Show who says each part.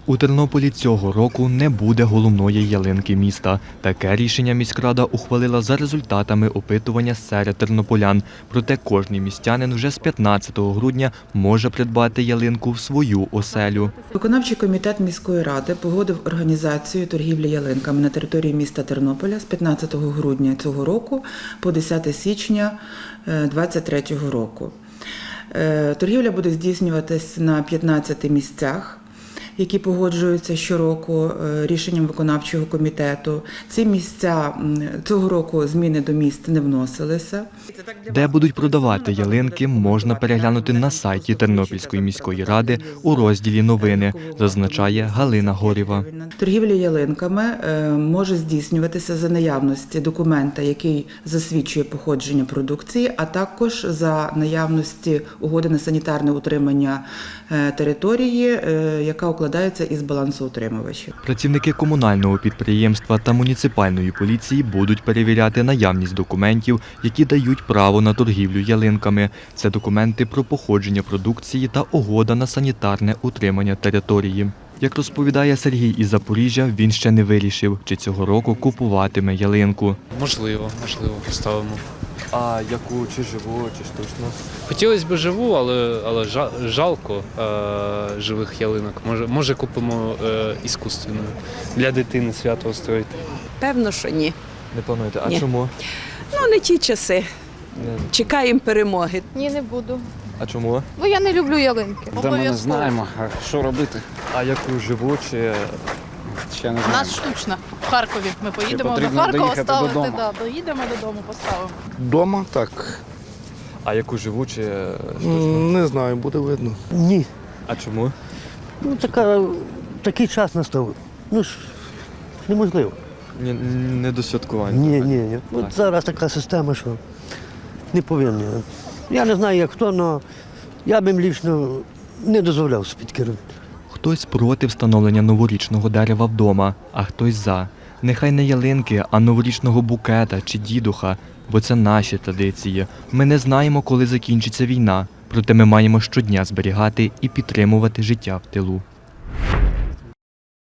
Speaker 1: У Тернополі цього року не буде головної ялинки міста. Таке рішення міськрада ухвалила за результатами опитування серед тернополян. Проте кожний містянин вже з 15 грудня може придбати ялинку в свою оселю.
Speaker 2: Виконавчий комітет міської ради погодив організацію торгівлі ялинками на території міста Тернополя з 15 грудня цього року по 10 січня 2023 року. Торгівля буде здійснюватись на 15 місцях, які погоджуються щороку рішенням виконавчого комітету. Ці місця цього року зміни до міст не вносилися.
Speaker 1: Де будуть продавати ялинки, можна переглянути на сайті Тернопільської міської ради у розділі «Новини», зазначає Галина Горєва.
Speaker 2: Торгівля ялинками може здійснюватися за наявності документа, який засвідчує походження продукції, а також за наявності угоди на санітарне утримання території, яка укладається із балансоутримувачів.
Speaker 1: Працівники комунального підприємства та муніципальної поліції будуть перевіряти наявність документів, які дають право на торгівлю ялинками. Це документи про походження продукції та угода на санітарне утримання території. Як розповідає Сергій із Запоріжжя, він ще не вирішив, чи цього року купуватиме ялинку.
Speaker 3: Можливо, поставимо.
Speaker 1: А яку, чи живу, чи штучну?
Speaker 3: Хотілося б живу, але жалко живих ялинок. Може купимо іскусственну для дитини свято устроїти.
Speaker 4: Певно, що ні.
Speaker 1: Не плануєте? А
Speaker 4: Ні.
Speaker 1: чому?
Speaker 4: Ну, не ті часи. Чекаємо перемоги.
Speaker 5: Ні, не буду.
Speaker 1: А чому?
Speaker 5: Бо я не люблю ялинки.
Speaker 6: Та ми не знаємо, а що робити?
Speaker 1: А яку живу, чи...
Speaker 6: Ще не
Speaker 5: У
Speaker 6: знаємо.
Speaker 5: нас штучна в Харкові. Ми поїдемо до
Speaker 6: потрібно
Speaker 5: Харкова
Speaker 6: доїхати
Speaker 5: ставити.
Speaker 6: додому.
Speaker 5: Да, доїдемо додому, поставимо.
Speaker 7: Дома так.
Speaker 1: А яку живу, чи штучну?
Speaker 7: Не знаю, буде видно.
Speaker 8: Ні.
Speaker 1: А чому?
Speaker 8: Ну, такий час настав. Ну ж, неможливо.
Speaker 1: Не до святкування.
Speaker 8: Ні. От зараз така система, що не повинні. Я не знаю, як хто, але я б їм лічно не дозволяв собі керувати.
Speaker 1: Хтось проти встановлення новорічного дерева вдома, а хтось за. Нехай не ялинки, а новорічного букета чи дідуха, бо це наші традиції. Ми не знаємо, коли закінчиться війна, проте ми маємо щодня зберігати і підтримувати життя в тилу.